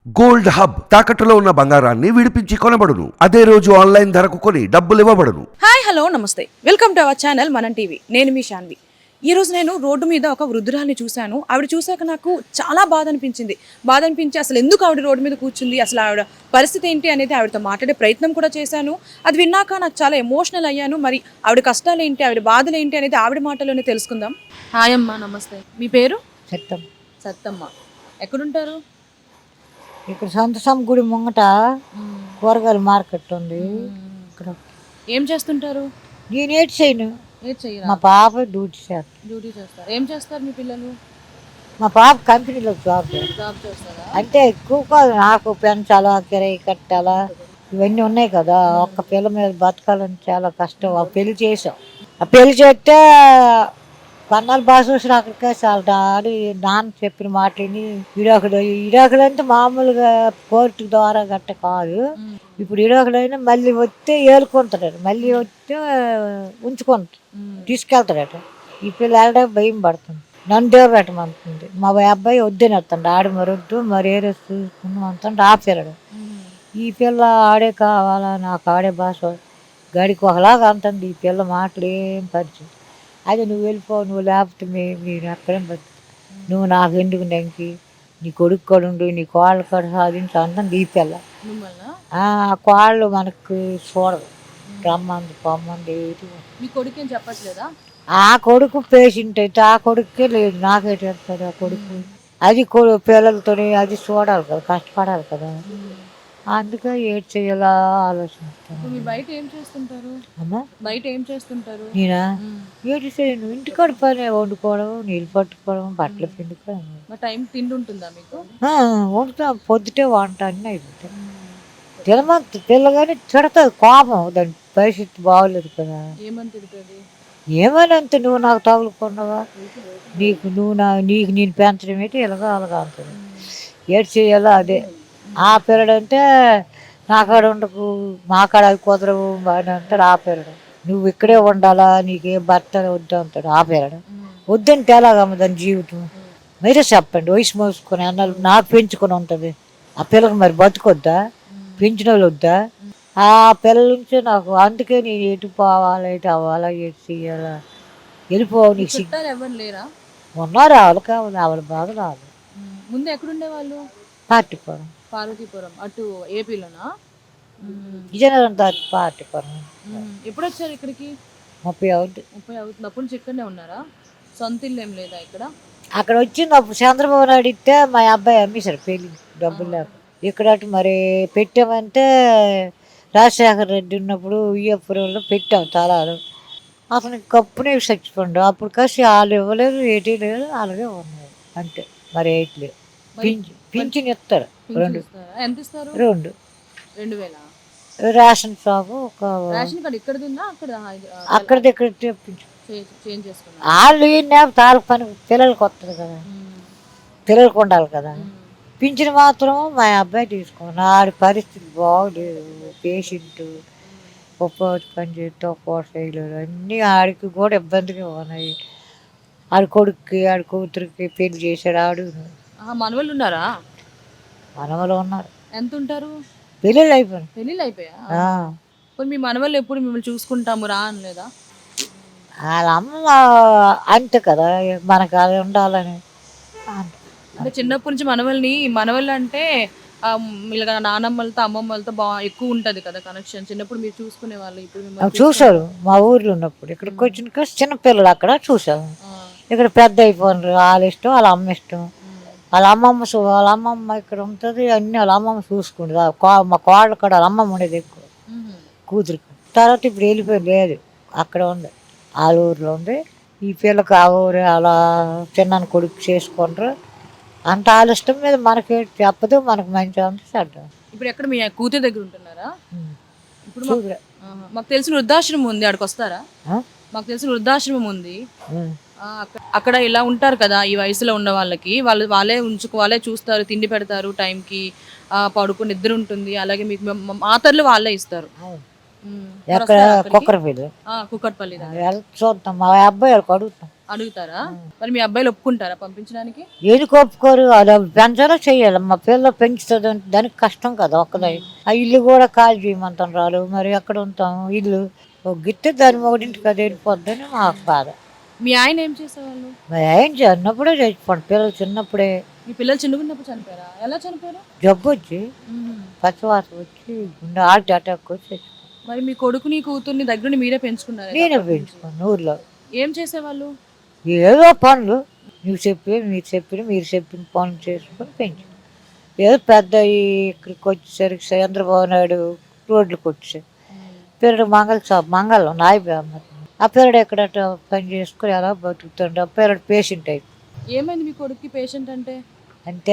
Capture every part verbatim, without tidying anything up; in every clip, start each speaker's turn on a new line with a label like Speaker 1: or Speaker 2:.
Speaker 1: Gold hub తాకట్టులో ఉన్న బంగారాన్ని విడిపించి కొనబడును. అదే రోజు ఆన్లైన్ ధరకు కొని డబ్బులు ఇవ్వబడును.
Speaker 2: హాయ్ హలో నమస్తే, welcome to our channel Manam TV. నేను మీ శాన్వి. ఈ రోజు నేను రోడ్డు మీద ఒక వృద్ధురాల్ని చూశాను. ఆవిడ చూశాక నాకు చాలా బాధ అనిపించింది. బాధ అనిపించి అసలు ఎందుకు ఆవిడ రోడ్డు మీద కూర్చుంది, అసలు ఆవిడ పరిస్థితి ఏంటి అనేది ఆవిడతో మాట్లాడే ప్రయత్నం కూడా చేశాను. అది విన్నాక నాకు చాలా ఎమోషనల్ అయ్యాను. మరి ఆవిడ కష్టాలు ఏంటి, ఆవిడ బాధలు ఏంటి అనేది ఆవిడ మాటలోనే తెలుసుకుందాం. హాయ్ అమ్మా, నమస్తే. మీ పేరు?
Speaker 3: సత్యం.
Speaker 2: సత్తమ్మ. ఎక్కడుంటారు?
Speaker 3: ఇక్కడ సంతసం గుడి ముంగట కూరగాయల మార్కెట్ ఉంది. ఇక్కడ
Speaker 2: ఏం చేస్తుంటారు?
Speaker 3: నేను ఏటి చేయను,
Speaker 2: ఏం చెయ్యరా?
Speaker 3: మా పాప డ్యూటీ చేస్తాను.
Speaker 2: డ్యూటీ చేస్తారు. ఏం చేస్తారు మీ పిల్లలు?
Speaker 3: మా పాప కంపెనీలో జాబ్ చేస్తాను.
Speaker 2: జాబ్ చేస్తారా?
Speaker 3: అంటే ఎక్కువ కాదు, నాకు పెంచాలా, కిరాయి కట్టాలా, ఇవన్నీ ఉన్నాయి కదా. ఒక్క పిల్ల మీద బతకాలని చాలా కష్టం. ఆ పెళ్లి చేసాం. ఆ పెళ్లి చేస్తే పన్నాలు బాగా చూసిన అక్కడికే చాలా డాడీ నాన్న చెప్పిన మాటని ఇడాకుడు ఇడాకుడు అంటే మామూలుగా కోర్టు ద్వారా గట్ట కాదు. ఇప్పుడు ఇడాకుడైనా మళ్ళీ వస్తే ఏలుకుంటాడట, మళ్ళీ వస్తే ఉంచుకుంటాడు, తీసుకెళ్తాడట. ఈ పిల్ల వెళ్ళడానికి భయం పడుతుంది. నన్ను దేవ పెట్టమంటుంది. మా అబ్బాయి వద్దని వస్తాడు, ఆడు మరి వద్దు మరి ఏదో చూసుకున్నాం అంటాడు. ఆ పిల్లడు ఈ పిల్ల ఆడే కావాలా, నాకు ఆడే భాష గడికి ఒకలాగా అంటుంది. ఈ పిల్ల మాటలు ఏం పరిచయం. అదే నువ్వు వెళ్ళిపో, నువ్వు లేకపోతే మేము నేను అక్కడే బతు, నువ్వు నాకు ఎందుకు నెంకి, నీ కొడుకు కొడుండు, నీ కోళ్ళ కడ సాధించి అంటుంది ఈ పిల్ల. ఆ కోళ్ళు మనకు చూడదు, రమ్మంది పొమ్మంది.
Speaker 2: మీ కొడుకు ఏం చెప్పట్లేదా?
Speaker 3: ఆ కొడుకు పేషెంట్ అయితే ఆ కొడుకే లేదు, నాకే చెప్తాడు ఆ కొడుకు. అది కొడు పిల్లలతో అది చూడాలి కదా, కష్టపడాలి కదా. అందుకే ఏడ్ చేయాలా ఆలోచిస్తాను.
Speaker 2: మీరు బయట ఏం చేస్తుంటారు?
Speaker 3: అమ్మా
Speaker 2: బయట ఏం చేస్తుంటారు?
Speaker 3: నేనా ఏడు చేయను, ఇంటికాడ పని వండుకోవడం, నీళ్ళు పట్టుకోవడం, బట్టలు పిండుకోవడం.
Speaker 2: మా టైం తిండి ఉంటుందా మీకు?
Speaker 3: వండుతా, పొద్దుటే వంట అన్నీ అయిపోతాయి. తినమంత పిల్లగాని తిడతాది, కోపం, దాని పరిస్థితి బాగోలేదు కదా.
Speaker 2: ఏమని తిడుతుంది?
Speaker 3: ఏమని అంత నువ్వు నాకు తగులుకున్నావా, నీకు నువ్వు నా నీకు నేను పెంచడం ఏంటి, ఇలాగా అలాగా అంటుంది. ఏడు చేయాలా అదే. ఆ పిల్లడంటే నా కాడ ఉండకు, మా కాడ అవి కుదరవు అని అంటాడు. ఆ పిల్లడు నువ్వు ఇక్కడే ఉండాలా, నీకే భర్త వద్దు అంటాడు. ఆ పిల్లడు వద్దంటే ఎలాగమ్మ దాని జీవితం, మీరే చెప్పండి. వయసు మోసుకొని అన్నాలు నాకు పెంచుకొని ఉంటుంది. ఆ పిల్లకి మరి బతుకొద్దా, పెంచిన వాళ్ళు వద్దా? ఆ పిల్లల నుంచి నాకు అందుకే నేను ఎటు పోవాలా, ఎటు అవ్వాలా, ఎటు చెయ్యాలా, వెళ్ళిపోవు. నీకు
Speaker 2: చుట్టాలు ఎవరు లేరా?
Speaker 3: ఉన్నారు, ఆవిడ కావాలి, ఆవిడ బాగా రాదు.
Speaker 2: ముందు ఎక్కడుండే వాళ్ళు?
Speaker 3: పార్టీపురం,
Speaker 2: పార్వతీపురం అటు ఏపీలోనా?
Speaker 3: విజయనగరం దాటి పార్టీపురం.
Speaker 2: ఎప్పుడు వచ్చారు ఇక్కడికి?
Speaker 3: ముప్పై అవుతుంది.
Speaker 2: ముప్పై అవుతుంది. అప్పుడు నుంచి ఇక్కడనే ఉన్నారా? సొంత ఇల్లు ఏం లేదా ఇక్కడ?
Speaker 3: అక్కడ వచ్చింది అప్పుడు చంద్రబాబు నాయుడు ఇస్తే మా అబ్బాయి అమ్మేశారు పెళ్ళి డబ్బులు లేక. ఇక్కడ అటు మరి పెట్టామంటే రాజశేఖర రెడ్డి ఉన్నప్పుడు ఉయ్యపురంలో పెట్టాం తలాలు. అతనికి కప్పునే చచ్చిపోండు. అప్పుడు కాసి వాళ్ళు ఇవ్వలేదు, ఏటీ లేదు, అలాగే ఉన్నాయి అంతే. మరి ఏటి లేదు. పింఛన్ పింఛన్ ఇస్తారు రెండు.
Speaker 2: ఎంత ఇస్తారు?
Speaker 3: రెండు
Speaker 2: రెండు వేల
Speaker 3: రేషన్ షాపు ఒక
Speaker 2: రేషన్ కార్డు ఇక్కడ తిన్నా అక్కడ
Speaker 3: అక్కడిది ఇక్కడ తెప్పించు.
Speaker 2: చేంజ్ చేసుకున్నా.
Speaker 3: వాళ్ళు ఈయన తాలకు పని పిల్లలకి వస్తుంది కదా, పిల్లలకు ఉండాలి కదా. పింఛన్ మాత్రం మా అబ్బాయి తీసుకున్నాను. ఆడి పరిస్థితి బాగోలేదు, పేషెంట్, ఒక్కోటి పని చేస్తే ఒక్కోటి చేయలేదు. అన్నీ ఆడికి కూడా ఇబ్బందిగా ఉన్నాయి. ఆడి కొడుక్కి ఆడి కూతురికి పెళ్లి చేశాడు. ఆడు
Speaker 2: మనవాళ్ళు ఉన్నారా?
Speaker 3: మనవలు ఉన్నారు.
Speaker 2: ఎంత ఉంటారు?
Speaker 3: పెళ్ళిళ్ళు అయిపోయినాయి.
Speaker 2: పెళ్ళిళ్ళు అయిపోయా? మీ మనవాళ్ళు ఎప్పుడు మిమ్మల్ని చూసుకుంటాము రా అనలేదా?
Speaker 3: వాళ్ళ అమ్మ అంతే కదా, మనకు అది ఉండాలని.
Speaker 2: అంటే చిన్నప్పటి నుంచి మనవల్ని మనవళ్ళు అంటే ఇలాగ నానమ్మలతో అమ్మమ్మలతో బాగా ఎక్కువ ఉంటుంది కదా కనెక్షన్. చిన్నప్పుడు మీరు చూసుకునే వాళ్ళు, ఇప్పుడు మిమ్మల్ని
Speaker 3: చూశారు మా ఊర్లో ఉన్నప్పుడు. ఇక్కడికి వచ్చిన చిన్నపిల్లలు అక్కడ చూసాము. ఇక్కడ పెద్ద అయిపోయినారు. వాళ్ళ ఇష్టం, వాళ్ళ అమ్మ ఇష్టం. వాళ్ళ అమ్మమ్మ వాళ్ళ అమ్మమ్మ ఇక్కడ ఉంటుంది, అన్ని వాళ్ళ అమ్మమ్మ చూసుకుంటుంది. మా కోళ్ళ కూడా వాళ్ళ అమ్మమ్మ ఉండేది ఎక్కువ, కూతురికి. తర్వాత ఇప్పుడు వెళ్ళిపోయి లేదు, అక్కడ ఉంది, వాళ్ళ ఊర్లో ఉంది. ఈ పిల్లకి ఆ ఊరు అలా చిన్న కొడుకు చేసుకుంటారు. అంత వాళ్ళ ఇష్టం మీద మనకి చెప్పదు, మనకు మంచి అంత చెడ్డ.
Speaker 2: ఇప్పుడు ఎక్కడ మీ కూతురు దగ్గర ఉంటున్నారా? ఇప్పుడు మాకు తెలిసిన వృద్ధాశ్రమం ఉంది, అక్కడికి వస్తారా? మాకు తెలిసిన వృద్ధాశ్రమం ఉంది, అక్కడ ఇలా ఉంటారు కదా ఈ వయసులో ఉన్న వాళ్ళకి. వాళ్ళు వాళ్ళే ఉంచుకు వాళ్ళే చూస్తారు, తిండి పెడతారు టైంకి, పడుకుని నిద్ర ఉంటుంది. అలాగే మీకు మాతర్లు వాళ్ళే ఇస్తారు.
Speaker 3: ఎక్కడ కుక్కరపల్లి
Speaker 2: కుక్కట్పల్లి
Speaker 3: చూద్దాం. మా అబ్బాయి వాళ్ళకి అడుగుతాం.
Speaker 2: అడుగుతారా? మరి మీ అబ్బాయిలు ఒప్పుకుంటారా పంపించడానికి?
Speaker 3: ఏది ఒప్పుకోరు, అది పెంచాలో చెయ్యాలి. మా పిల్లలు పెంచుతుంది అంటే దానికి కష్టం కదా ఒక్కదే. ఆ ఇల్లు కూడా ఖాళీ చేయమంటాం రాలు, మరి ఎక్కడ ఉంటాం ఇల్లు ఒక గిట్టే దాని ఒకటింటికి అది వెళ్ళిపోద్దని మాకు బాధ.
Speaker 2: మీ ఆయన ఏం చేసేవాళ్ళు?
Speaker 3: మరి ఏం చిన్నప్పుడే చచ్చిపోండి, పిల్లలు చిన్నప్పుడే.
Speaker 2: మీ పిల్లలు చిన్నగున్నప్పుడు చనిపోయారా? ఎలా చనిపోయారు?
Speaker 3: జబ్బు వచ్చి పచ్చివాసన వచ్చి గుండె హార్ట్ అటాక్ వచ్చి చచ్చిపోయారు.
Speaker 2: మరి మీ కొడుకుని కూతుర్ని దగ్గరుండి మీరే పెంచుకున్నారు?
Speaker 3: నేనే పెంచుకున్నాను ఊర్లో.
Speaker 2: ఏం చేసేవాళ్ళు?
Speaker 3: ఏదో పనులు నువ్వు చెప్పి మీరు చెప్పిన మీరు చెప్పిన పనులు చేసుకొని పెంచు. ఏదో పెద్ద ఇక్కడికి వచ్చేసరికి చంద్రబాబు నాయుడు రోడ్లకు వచ్చాయి. పిల్లడు మంగళ షాప్ మంగళం నాయబమ్మ ఆ పిల్లడు ఎక్కడ పని చేసుకుని ఎలా బతుకుతుండే. ఆ పిల్లడు పేషెంట్ అయిపోయి.
Speaker 2: ఏమైంది మీ కొడుక్కి పేషెంట్ అంటే?
Speaker 3: అంటే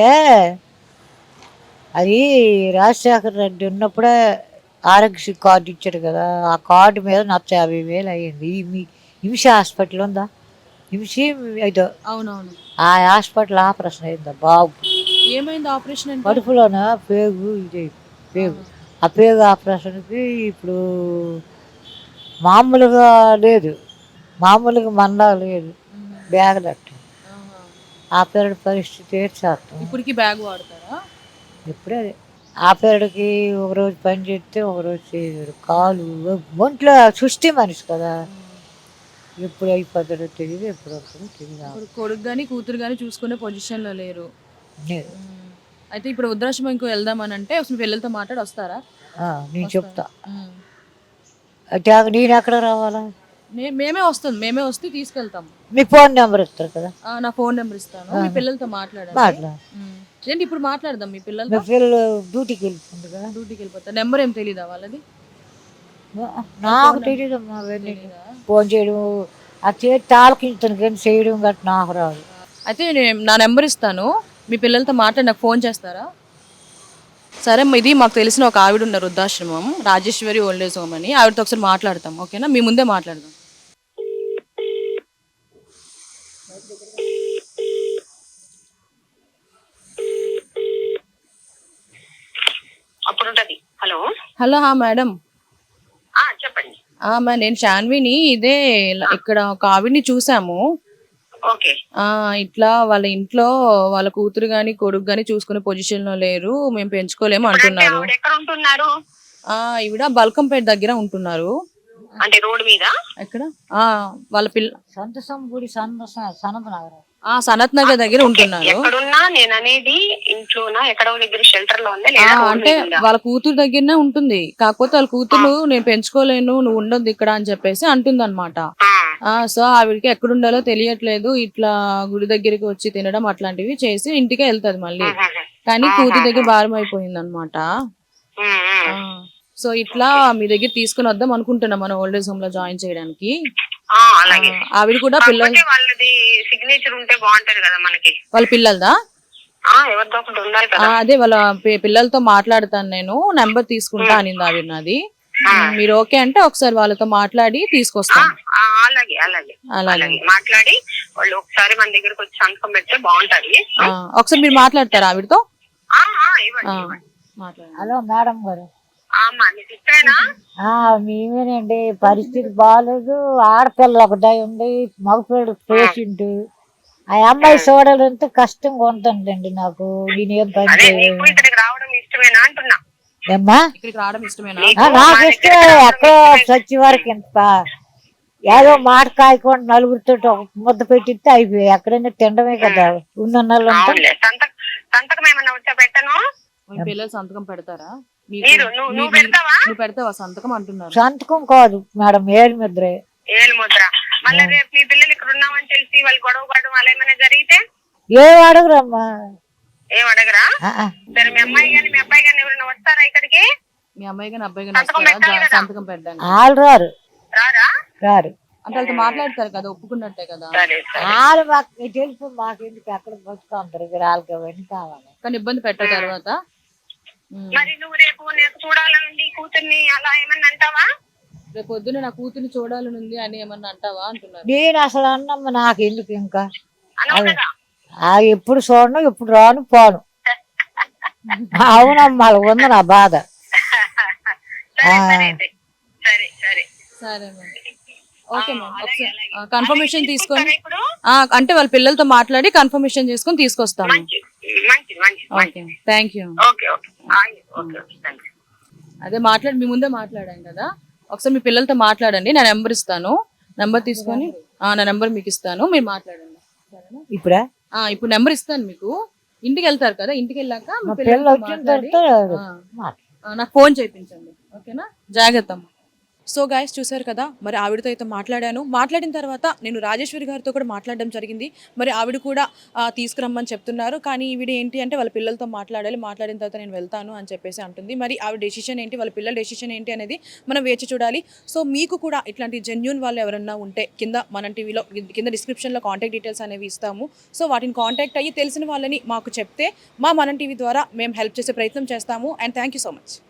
Speaker 3: అది రాజశేఖర రెడ్డి ఉన్నప్పుడే ఆరోగ్యశ్రీ కార్డు ఇచ్చాడు కదా, ఆ కార్డు మీద నచ్చ యాభై వేలు అయ్యింది. మీ హింస హాస్పిటల్ ఉందా, హింస ఇదో
Speaker 2: అవునవును,
Speaker 3: ఆ హాస్పిటల్ ఆపరేషన్ అయిందా బాబు.
Speaker 2: ఏమైంది ఆపరేషన్ అంటే?
Speaker 3: కడుపులోన పేగు ఇది పేగు. ఆ పేగు ఆపరేషన్కి ఇప్పుడు మామూలుగా లేదు, మామూలుగా మన్నా లేదు, బ్యాగులట్టు. ఆ పేరుడి పరిస్థితి ఏడ్చేస్తాం.
Speaker 2: ఇప్పటికి బ్యాగ్ వాడతారా?
Speaker 3: ఇప్పుడే ఆ పేరుడికి ఒకరోజు పని చేస్తే ఒకరోజు చేయడు. కాలు ఒంట్లో సృష్టి మనిషి కదా, ఎప్పుడు అయిపోతాడో తెలియదు, ఎప్పుడు వస్తుందో తెలియదు.
Speaker 2: ఇప్పుడు కొడుకు కానీ కూతురు కానీ చూసుకునే పొజిషన్లో లేరు.
Speaker 3: లేదు.
Speaker 2: అయితే ఇప్పుడు వృద్ధాశ్రమం ఇంకో వెళ్దామని అంటే అసలు పిల్లలతో మాట్లాడి వస్తారా?
Speaker 3: ఆ, నేను చెప్తా. అంటే నేను ఎక్కడ రావాలా?
Speaker 2: మే- మేమే వస్తాం, మేమే వస్తే తీసుకెళ్తాము.
Speaker 3: మీ ఫోన్ నెంబర్ ఇస్తారు కదా,
Speaker 2: ఆ, నా ఫోన్ నెంబర్ ఇస్తాను, మీ పిల్లలతో మాట్లాడండి.
Speaker 3: మాట్లా
Speaker 2: ఉమ్. ఏంటి ఇప్పుడు మాట్లాడదాం మీ
Speaker 3: మీ
Speaker 2: పిల్లలతో?
Speaker 3: పిల్లలు డ్యూటీకి వెళ్ళిపోతుంది కదా.
Speaker 2: డ్యూటీకి వెళ్ళిపోతారు. నెంబర్ ఏం తెలీదా వాళ్ళది?
Speaker 3: నాకు తెలియదమ్మా అవన్నీ. ఫోన్ చేయడం ఆ చేతి తాలకించుతాను కానీ చేయడం గట్రా నాకు రాదు.
Speaker 2: అయితే నేను నా నెంబర్ ఇస్తాను, మీ పిల్లలతో మాట్లాడి నాకు ఫోన్ చేస్తారా? సరే, ఇది మాకు తెలిసిన ఒక ఆవిడ ఉన్నారు వృద్ధాశ్రమం, రాజేశ్వరి ఓల్డ్ ఏజ్ హోమ్ అని, ఆవిడతో ఒకసారి మాట్లాడతాం. ఓకేనా? మీ ముందే మాట్లాడదాం.
Speaker 4: హలో
Speaker 2: హలో హా మేడం.
Speaker 4: చెప్పండి.
Speaker 2: మా నేను శాన్విని, ఇదే ఇక్కడ ఒక ఆవిడ్ని చూసాము.
Speaker 4: ఓకే.
Speaker 2: ఆ ఇట్లా వాళ్ళ ఇంట్లో వాళ్ళ కూతురు గాని కొడుకు గాని చూసుకునే పొజిషన్ లో లేరు, మేము పెంచుకోలేము అంటున్నారు.
Speaker 4: ఎక్కడ ఉంటున్నారు?
Speaker 2: ఆ ఈవిడ బల్కంపేట దగ్గర ఉంటున్నారు.
Speaker 4: అంటే రోడ్ మీద?
Speaker 2: ఎక్కడ? ఆ వాళ్ళ పిల్ల
Speaker 3: సంతసం గుడి సంత సనత్ నగర్
Speaker 2: ఆ సనత్ నగర్ దగ్గర ఉంటున్నారు.
Speaker 4: ఎక్కడున్నా నేను అనేది ఇంట్లోనా ఎక్కడో దగ్గర షెల్టర్ లో ఉందా
Speaker 2: ఆ,
Speaker 4: లేదా?
Speaker 2: అంటే వాళ్ళ కూతురు దగ్గరనే ఉంటుంది, కాకపోతే వాళ్ళ కూతురు నేను పెంచుకోలేను నువ్వు ఉండొద్దు ఇక్కడ అని చెప్పేసి అంటుంది అనమాట. ఆ సో ఆవిడకి ఎక్కడుండాలో తెలియట్లేదు, ఇట్లా గుడి దగ్గరికి వచ్చి తినడం అట్లాంటివి చేసి ఇంటికే వెళ్తది మళ్ళీ, కానీ కూతురు దగ్గర భారం అయిపోయింది అనమాట. సో ఇట్లా మీ దగ్గర తీసుకుని వద్దాం అనుకుంటున్నాం మన ఓల్డ్ ఏజ్ హోమ్ లో జాయిన్ చేయడానికి. ఆవిడ కూడా పిల్లలు
Speaker 4: వాళ్ళది సిగ్నేచర్ ఉంటే బాగుంటది కదా మనకి.
Speaker 2: వాళ్ళ పిల్లలదా?
Speaker 4: ఎవరిదో ఒకటి ఉండాలి కదా.
Speaker 2: అదే వాళ్ళ పి- పిల్లలతో మాట్లాడతాను, నేను నెంబర్ తీసుకుంటా అనింది ఆవిడ నాది. మీరు ఓకే అంటే ఒకసారి వాళ్ళతో మాట్లాడి తీసుకొస్తాను.
Speaker 4: అలాగే అలాగే
Speaker 2: అలాగే
Speaker 4: అలాగే మాట్లాడి వాళ్ళు ఒకసారి మన దగ్గరకు వచ్చి సంతకం పెడితే బాగుంటది.
Speaker 2: ఆ, ఒకసారి మీరు మాట్లాడతారా ఆవిడతో?
Speaker 4: ఆ, ఆ, ఇవ్వండి,
Speaker 2: ఆ,
Speaker 4: ఇవ్వండి.
Speaker 2: మాట్లాడండి.
Speaker 3: హలో మేడం గారు.
Speaker 4: అమ్మా నీకు ఇష్టమేనా?
Speaker 3: ఆ, మేమేనండి, పరిస్థితి బాగాలేదు. ఆడపిల్ల ఒకటే ఉంది, మగపిల్లడు పేషెంట్. ఆ అమ్మాయి చూడాలంటే కష్టంగా ఉంటుందండి నాకు. నేనేం పని
Speaker 4: అదే
Speaker 3: చేయలేదు.
Speaker 4: నీకు ఇక్కడికి రావడం ఇష్టమేనా అంటున్నా.
Speaker 3: ఏమ్మా?
Speaker 2: ఇక్కడికి రావడం ఇష్టమేనా?
Speaker 3: ఆ, నాకు ఇష్టమే. ఎక్కడో చచ్చి వరకు ఇంత ఏదో మాట కాయకుండా నలుగురితో ఒక ముద్ద పెట్టిస్తే అయిపోయి ఎక్కడైనా తినడమే కదా ఉన్న నెలలు అంతా.
Speaker 4: అవునులే. సంతకం సంతకం ఏమన్నా వచ్చా పెట్టను?
Speaker 2: మీ పిల్లలు సంతకం పెడతారా? మీకు-
Speaker 4: మీరు నువ్వు
Speaker 2: మీ-
Speaker 4: నువ్వు
Speaker 2: మీ-
Speaker 4: పెడతావా?
Speaker 2: నువ్వు పెడతావా సంతకం అంటున్నారు.
Speaker 3: సంతకం కాదు మేడం, ఏడు ముద్రే.
Speaker 4: ఏలు ముద్ర. మళ్ళీ రేపు మీ పిల్లలు ఇక్కడ ఉన్నామని తెలిసి వాళ్ళు గొడవ పడడం అలా ఏమైనా జరిగితే
Speaker 3: ఏ అడగరమ్మా.
Speaker 4: ఏం అడగరా?
Speaker 3: ఆ, ఆ.
Speaker 4: సరే, మీ అమ్మాయి గాని మీ అబ్బాయి గాని ఎవరైనా వస్తారా ఇక్కడికి?
Speaker 2: మీ అమ్మాయి కానీ అబ్బాయి కానీ
Speaker 4: సంతకం
Speaker 2: వస్తారా
Speaker 4: పెట్టాలి
Speaker 2: జా-
Speaker 4: కదా?
Speaker 2: సంతకం పెట్టడానికి?
Speaker 3: వాళ్ళు రారు
Speaker 4: రారా?
Speaker 3: రారు.
Speaker 2: అంటే వాళ్ళతో మాట్లాడతారు కదా, ఒప్పుకున్నట్టే కదా.
Speaker 4: సరే సరే.
Speaker 3: వాళ్ళు మాకు తెలుసు, మాకు ఎందుకు ఎక్కడ బతుకుంటారు వాళ్ళకి అవన్నీ కావాలి.
Speaker 2: కానీ ఇబ్బంది పెట్టిన తర్వాత ఉమ్.
Speaker 4: మరి నువ్వు రేపు నాకు చూడాలనుంది కూతుర్ని అలా ఏమన్నా అంటావా?
Speaker 2: రేపు పొద్దున్న నా కూతుర్ని చూడాలని ఉంది అని ఏమన్నా అంటావా అంటున్నారు.
Speaker 3: నేను అసలు అన్నమ్మ నాకు ఎందుకు ఇంకా
Speaker 4: అనవు కదా.
Speaker 3: ఆ ఎప్పుడు చూడను ఎప్పుడు రాను పోను. అవునమ్మా, వాళ్ళ ఉంది నా బాధ.
Speaker 4: సరే సరే అయితే. సరే సరే
Speaker 2: సరే మరి. ఓకే
Speaker 4: ఆ,
Speaker 2: మ్యామ్
Speaker 4: అలాగే,
Speaker 2: ఒకసారి
Speaker 4: అలాగే.
Speaker 2: కన్ఫర్మేషన్
Speaker 4: అలాగే
Speaker 2: తీసుకొని
Speaker 4: తీసుకొస్తారా ఇప్పుడు
Speaker 2: ఆ, అంటే వాళ్ళ పిల్లలతో మాట్లాడి కన్ఫర్మేషన్ చేసుకొని తీసుకొస్తాము.
Speaker 4: మంచిది మంచిది మంచిది
Speaker 2: ఓకే
Speaker 4: మంచిది
Speaker 2: థ్యాంక్ యూ.
Speaker 4: ఓకే ఓకే ఆయ్, ఓకే ఓకే థ్యాంక్ యూ.
Speaker 2: అదే మాట్లాడి మీ ముందే మాట్లాడాం కదా, ఒకసారి మీ పిల్లలతో మాట్లాడండి. నా నెంబర్ ఇస్తాను, నెంబర్ తీసుకొని ఆ, నా నెంబర్ మీకు ఇస్తాను, మీరు మాట్లాడండి సరేనా?
Speaker 3: ఇప్పుడా
Speaker 2: ఆ, ఇప్పుడు నెంబర్ ఇస్తాను మీకు. ఇంటికి వెళ్తారు కదా, ఇంటికి వెళ్ళాక మీ
Speaker 3: మా పిల్లలు
Speaker 2: పిల్లలతో
Speaker 3: వచ్చిన
Speaker 2: మాట్లాడి
Speaker 3: తర్వాత
Speaker 2: ఆ,
Speaker 3: మాట్లాడు.
Speaker 2: ఆ, నాకు ఫోన్ చేయించండి ఓకేనా. జాగ్రత్త అమ్మ. సో గాయస్ చూసారు కదా, మరి ఆవిడతో అయితే మాట్లాడాను. మాట్లాడిన తర్వాత నేను రాజేశ్వరి గారితో కూడా మాట్లాడడం జరిగింది. మరి ఆవిడ కూడా ఆ, తీసుకురమ్మని చెప్తున్నారు. కానీ ఈవిడ ఏంటి అంటే వాళ్ళ పిల్లలతో మాట్లాడాలి, మాట్లాడిన తర్వాత నేను వెళ్తాను అని చెప్పేసి అంటుంది. మరి ఆవిడ డెసిషన్ ఏంటి, వాళ్ళ పిల్లల డెసిషన్ ఏంటి అనేది మనం వేచి చూడాలి. సో మీకు కూడా ఇట్లాంటి జెన్యూన్ వాళ్ళు ఎవరన్నా ఉంటే కింద మన టీవీలో కింద డిస్క్రిప్షన్లో కాంటాక్ట్ డీటెయిల్స్ అనేవి ఇస్తాము. సో వాటిని కాంటాక్ట్ అయ్యి తెలిసిన వాళ్ళని మాకు చెప్తే మా మనం టీవీ ద్వారా మేము హెల్ప్ చేసే ప్రయత్నం చేస్తాము. And thank you so much.